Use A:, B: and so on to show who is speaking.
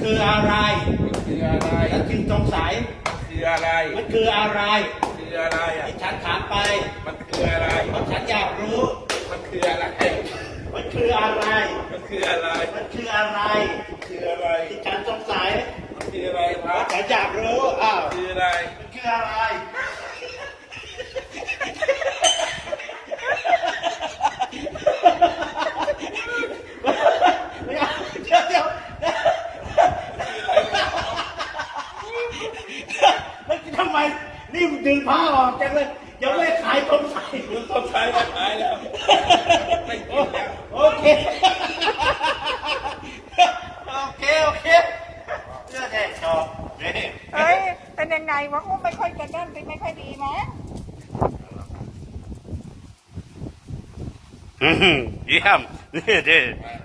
A: คืออะไร
B: มันคืออะไร
A: ฉันจึงสงสัย
B: มันคืออะไร
A: มันคืออะไร
B: คืออะไรอ่ะ
A: ที่ฉันถามไป
B: มันคืออะไร
A: เพราะฉันอยากรู้
B: มันคืออะไร
A: มันคืออะไร
B: มันคืออะไร
A: มันคืออะไร
B: คืออะไร
A: ที่ฉันสงสัย
B: มันคืออะไรค
A: เพ
B: รับ
A: ราะฉันอยากรู้อ้าว
B: คืออะไร
A: มันคืออะไรไม่เอาเดี๋ยวมันทำไมนี่มันดึงผ้าออกจังเลยยังไม่ขายคนใส่
B: คุณต้องใช้แล้วขายแล้วไม่กินแล้ว
A: โอเค โอเคเรื่องแน่ชอบนี่
C: เอ้ย เป็นยังไงวะอุ้มไม่ค่อยจะเล่นไม่ค่อยดีนะ
A: เยี่ยมนี่